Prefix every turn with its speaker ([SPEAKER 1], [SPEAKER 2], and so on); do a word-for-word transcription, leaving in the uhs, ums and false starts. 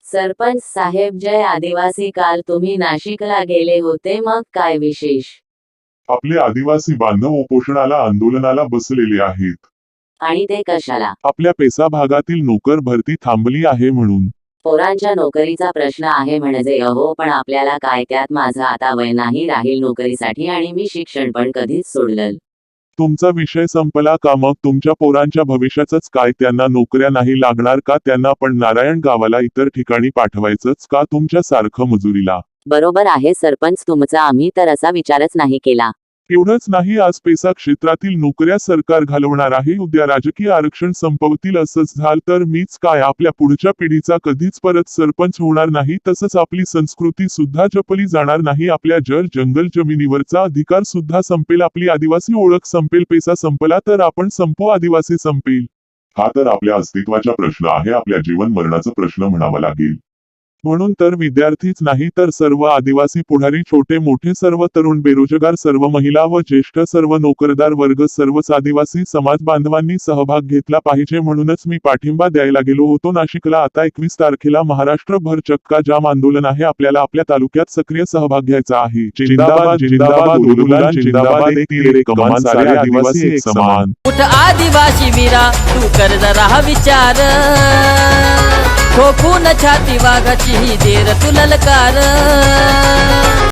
[SPEAKER 1] सरपंच साहेब, जय आदिवासी, काल तुम्ही नाशिकला गेले होते, मग काय विशेष?
[SPEAKER 2] आपले आदिवासी बांधव उपोषणाला आंदोलनाला बसलेले आहेत.
[SPEAKER 1] आणि ते कशाला?
[SPEAKER 2] आपल्या पेसा भागातील नोकर भरती थांबली आहे म्हणून.
[SPEAKER 1] पोरांच्या नोकरीचा प्रश्न आहे म्हणजे अहो, पण आपल्याला काय त्यात? माझं आता वय नाही राहील नोकरीसाठी आणि मी शिक्षण पण कधीच सोडलं.
[SPEAKER 2] तुमचा विषय संपला का? मग तुमच्या पोरांच्या भविष्याचंच काय? त्यांना नोकऱ्या नाही लागणार का? त्यांना पण नारायण गावाला इतर ठिकाणी पाठवायचंच का तुमच्या सारखं मजुरीला?
[SPEAKER 1] बरोबर आहे सरपंच तुमचा, आम्ही तर असा विचारच नाही केला.
[SPEAKER 2] एवढंच नाही, आज पेसा क्षेत्रातील नोकऱ्या सरकार घालवणार आहे, उद्या राजकीय आरक्षण संपवतील. असंच झालं तर मीच काय आपल्या पुढच्या पिढीचा कधीच परत सरपंच होणार नाही. तसंच आपली संस्कृती सुद्धा जपली जाणार नाही. आपल्या जर जंगल जमिनीवरचा अधिकार सुद्धा संपेल, आपली आदिवासी ओळख संपेल. पेसा संपला तर आपण संपू, आदिवासी संपेल. हा तर आपल्या अस्तित्वाचा प्रश्न आहे, आपल्या जीवन मरणाचा प्रश्न म्हणावा लागेल. म्हणून तर विद्यार्थीच नाही तर सर्व आदिवासी पुढारी, छोटे मोठे सर्व तरुण, बेरोजगार सर्व महिला व ज्येष्ठ सर्व नोकरदार वर्ग, सर्वच आदिवासी समाज बांधवांनी सहभाग घेतला पाहिजे. म्हणूनच मी पाठिंबा द्यायला गेलो होतो नाशिकला. आता एकवीस तारखेला महाराष्ट्रभर चक्का जाम आंदोलन आहे. आपल्याला आपल्या तालुक्यात सक्रिय सहभाग घ्यायचा आहे. जिंदाबाद जिंदाबाद उलुलान जिंदाबाद, एक तीर एक कमान, सारे आदिवासी एक समान.
[SPEAKER 3] उठ आदिवासी वीरा, तू कर जरा हा विचार, ठोकून छाती वाघाची ही देर तू ललकार.